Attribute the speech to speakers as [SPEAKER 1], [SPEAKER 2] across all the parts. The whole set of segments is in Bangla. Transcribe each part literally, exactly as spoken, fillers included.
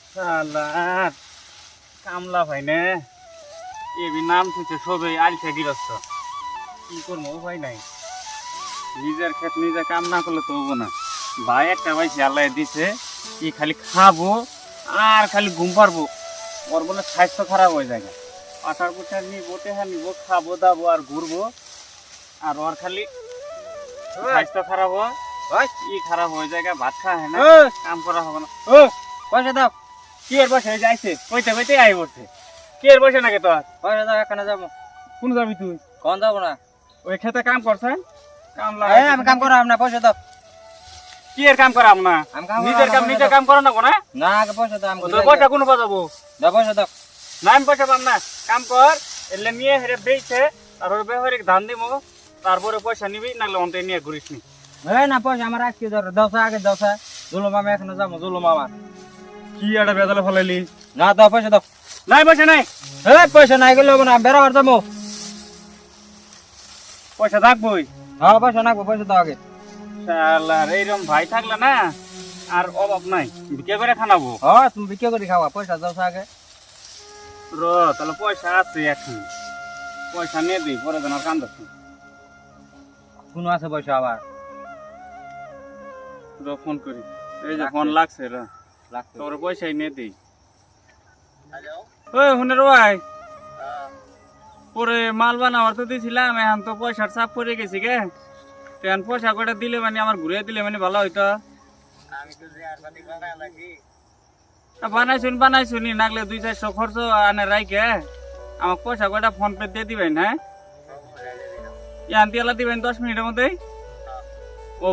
[SPEAKER 1] শালার কামলা ভাই নে এবি নাম থুইছে সবে আলছে গিরস্ত কি করবো উপায় নাই নিজের ক্ষেত নিজে কাম না করলে তো হবো না ভাই একটা ভাই আল্লাহ দিছে কি খালি খাবো আর খালি ঘুম পারবো ওর বলে স্বাস্থ্য খারাপ হয়ে যায় পাটার পুটার নিবো টেহা নিবো খাবো দাবো আর ঘুরবো আর ওর খালি স্বাস্থ্য খারাপ হয় কি খারাপ হয়ে যায় ভাত খাওয়া হয় না কাম করা হবে না ও পয়সা দাও কি এর বসে যাইছে কইতে কইতে আই পড়ছে কি এর বসে নাকি তোর
[SPEAKER 2] পয়সা দাও এখানে যাবো
[SPEAKER 1] কোন যাবি তুই
[SPEAKER 2] কোন যাবো না
[SPEAKER 1] ওই খেতে কাম করছেন কাম
[SPEAKER 2] এই আমি কাম করাম না পয়সা দাও
[SPEAKER 1] কি এর কাম করাম না
[SPEAKER 2] আমি কাম
[SPEAKER 1] নিজের কাম নিজে কাম করা না কোনা
[SPEAKER 2] না আগে পয়সা দাও আমি
[SPEAKER 1] তোর পয়সা কোন পাবো
[SPEAKER 2] দাও পয়সা দাও
[SPEAKER 1] না আমি পয়সা পাম না কাম কর এলে নিয়ে হেরে বেইছে আর ওর বেহরে ধান দিমু তারপরে পয়সা নিবি নালে অন্তে নিয়ে ঘুরিস নি
[SPEAKER 2] এই না পয়সা আমার আজকে ধর দশা আগে দশা জুলু মামা এখানে যাবো জুলু মামা
[SPEAKER 1] কি একটা বেজালে ফলাইলি
[SPEAKER 2] না দাও পয়সা দাও
[SPEAKER 1] নাই পয়সা নাই
[SPEAKER 2] এই পয়সা নাই গেলে হবে না বেড়াবার যাবো
[SPEAKER 1] পয়সা থাকবই
[SPEAKER 2] হ্যাঁ পয়সা নাকবো পয়সা দাও আগে
[SPEAKER 1] শালার এইরকম ভাই থাকলে না আর অভাব নাই বিকে করে খানাবো
[SPEAKER 2] হ্যাঁ তুমি বিক্রি করে খাওয়া পয়সা দশা আগে
[SPEAKER 1] র তাহলে পয়সা আছে এখন পয়সা নিয়ে দিই পরে যেন কান্দাস
[SPEAKER 2] কোনো আছে পয়সা আবার
[SPEAKER 1] র ফোন করি এই যে ফোন লাগছে র
[SPEAKER 2] লাগতো
[SPEAKER 1] তোর পয়সাই নিয়ে দিই ওই হুনের ভাই পরে মাল বানাবার তো দিয়েছিলাম এখন তো পয়সার চাপ পড়ে গেছি গে এখন পয়সা কটা দিলে মানে আমার ঘুরে দিলে মানে ভালো হইতো বানাইছুন বানাইছুন নাগলে দুই চারশো খরচ আনে রাইকে আমাকে পয়সা কটা ফোন পে দিয়ে দিবেন হ্যাঁ ইয়ান তেলা দিবেন দশ মিনিটের মধ্যেই ও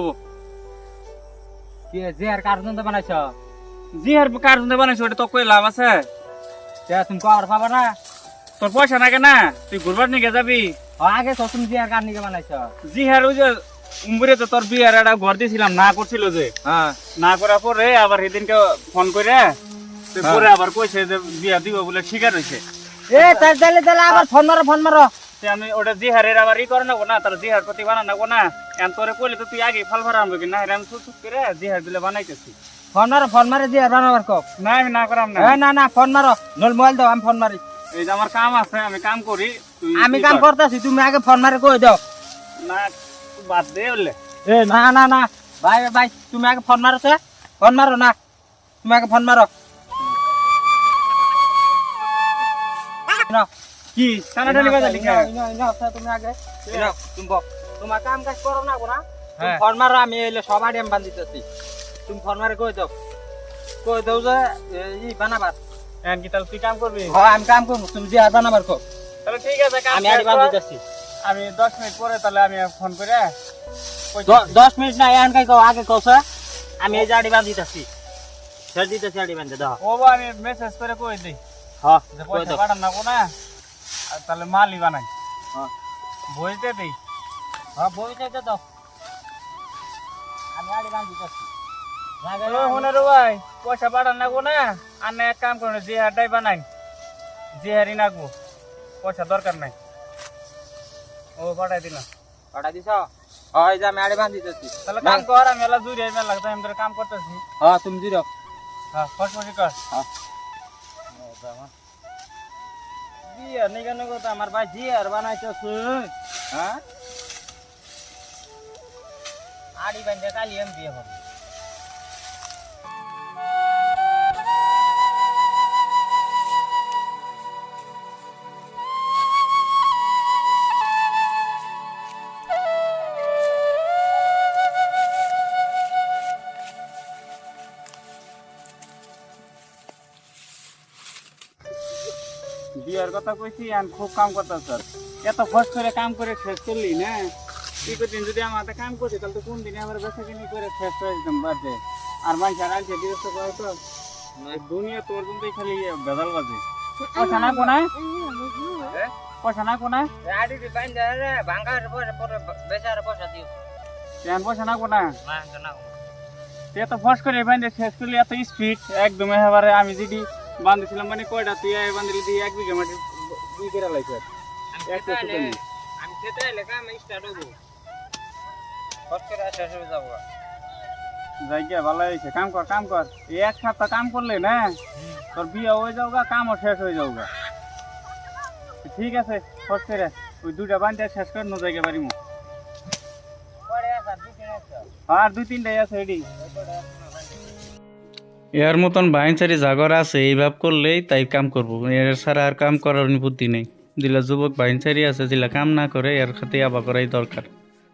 [SPEAKER 2] কি যে আর কার্টুন তো বানাইছ
[SPEAKER 1] জি আর কার বানাইছো ওটা তো কই লাভ আছে
[SPEAKER 2] তুমি কর পাবা না
[SPEAKER 1] তোর পয়সা নাকি না তুই ঘুরবার নিকে যাবি
[SPEAKER 2] আগে তো তুমি যে আর কার নিকে বানাইছ
[SPEAKER 1] জি হ্যাঁ ওই যে উম্বুরে তো তোর বিয়ার একটা ঘর দিয়েছিলাম না করছিল যে
[SPEAKER 2] হ্যাঁ
[SPEAKER 1] না করার পরে আবার সেদিনকে ফোন করে তুই পরে আবার কইছে যে বিয়া দিব বলে ঠিকা রয়েছে
[SPEAKER 2] এ তাই তাহলে তাহলে আবার ফোন মারো ফোন মারো
[SPEAKER 1] আমি ওটা জিহারের আবার ই করে নেবো না তার জিহার প্রতি বানা নেবো না এখন তোরে কইলে তো তুই আগে ফল ভরা আনবো কি না আমি চুপ চুপ করে জিহার দিলে বানাইতেছি
[SPEAKER 2] ফোন মারো ফোন মারে যে আর বানাবার কক
[SPEAKER 1] না আমি না করাম না
[SPEAKER 2] এ না না ফোন মারো নল মোবাইল দাও আমি ফোন মারি
[SPEAKER 1] এই যে আমার কাম আছে আমি কাম করি তুই
[SPEAKER 2] আমি কাম করতেছি তুমি আগে ফোন মারে কই দাও
[SPEAKER 1] না বাদ দে বললে
[SPEAKER 2] এ না না না ভাই ভাই তুমি আগে ফোন মারো তো ফোন মারো না তুমি আগে ফোন মারো না
[SPEAKER 1] কি টানাটানি বাজালি কে
[SPEAKER 2] তুমি আগে তুমি বক তোমার কাম কাজ করো না গোনা
[SPEAKER 1] হ্যাঁ।
[SPEAKER 2] ফোন মারো আমি এলে সবাই আমি বান্ধিতেছি তুমি ফোন মারে কই দাও কই দাও যে ই বানাবার
[SPEAKER 1] এখন কি তাহলে তুই কাম করবি
[SPEAKER 2] হ্যাঁ আমি কাম করবো তুমি যে আর বানাবার কো
[SPEAKER 1] তাহলে ঠিক আছে কাম
[SPEAKER 2] আমি আড়ি বান্ধিতেছি
[SPEAKER 1] আমি দশ মিনিট পরে তাহলে আমি ফোন করে
[SPEAKER 2] দশ মিনিট না এখন কাই কও আগে কও স্যার আমি এই যে আড়ি বান্ধিতেছি স্যার দিতেছি আড়ি বান্ধে দাও
[SPEAKER 1] ও বা আমি মেসেজ করে কই দিই
[SPEAKER 2] হ্যাঁ
[SPEAKER 1] যে
[SPEAKER 2] কই
[SPEAKER 1] পয়সা
[SPEAKER 2] দাও
[SPEAKER 1] পাঠান না কোনা আর তাহলে মালই বানাই
[SPEAKER 2] হ্যাঁ
[SPEAKER 1] বুঝতে দিই
[SPEAKER 2] হ্যাঁ বই চাইতে দাও আমি আড়ি বান্ধিতেছি
[SPEAKER 1] ও হুনারু ভাই পয়সা পাঠান না কোনা আর না এক কাম করুন যে হারটাই বানাই যে হারি নাগবো পয়সা দরকার নাই ও পাঠাই দিলাম
[SPEAKER 2] পাঠা দিছ হ্যাঁ এই যে আমি আড়ি বান্ধিতেছি
[SPEAKER 1] তাহলে কাম কর আমি এলা দূরে মেলা লাগতো আমি তোর কাম করতেছি
[SPEAKER 2] হ্যাঁ তুমি দিও
[SPEAKER 1] হ্যাঁ ফসফসি কর
[SPEAKER 2] হ্যাঁ
[SPEAKER 1] বিয়ে নিকে নিকে তো আমার ভাই জি আর বানাইতেছে
[SPEAKER 2] হ্যাঁ আড়ি বান্ধে কালি আমি বিয়ে হবে
[SPEAKER 1] বিয়ার কথা কইছি আমি খুব কাম করতাম স্যার এত ফস করে কাম করে শেষ করলি না কি করদিন যদি আমার হাতে কাম করছি তাহলে তো কোন দিনে আমার বেসা কিনি করে শেষ করে দিতাম বাদে আর মানুষ আর আনছে বিরক্ত করে তো দুনিয়া তোর জন্যই খালি বেদাল বাজে পয়সা না কোনায় পয়সা না কোনায়
[SPEAKER 2] আড়ি বান্ধে রে ভাঙার পরে পরে বেচারে পয়সা দিও
[SPEAKER 1] কেন পয়সা না কোনা
[SPEAKER 2] না না
[SPEAKER 1] তুই এত ফস করে বান্ধে শেষ করলি এত স্পিড একদম এবারে আমি যদি বাঁধেছিলাম মানে কয়টা তুই বাঁধলি দিয়ে এক বিঘা মাটি দুই করে লাগছে
[SPEAKER 2] আমি খেতে এলে কাম স্টার্ট হবো ফস করে শেষ হয়ে যাবো
[SPEAKER 1] যাই গিয়া ভালো হয়েছে কাম কর কাম কর এই এক সপ্তাহ কাম করলে না তোর বিয়ে হয়ে যাওগা, কামও শেষ হয়ে যাওগা। ঠিক আছে, ফস করে ওই দুইটা বান্ধে শেষ করে নো জায়গা পারিমু। আর দুই তিনটাই আছে এডি।
[SPEAKER 3] এর মতন বাইনচারি জাগর আছে, এই ভাব করলেই তাই কাম করবো। এর ছাড়া আর কাম করার বুদ্ধি নেই। যেগুলা যুবক বাইনচারি আছে, যেগুলা কাম না করে এর খাতে আবা করাই দরকার।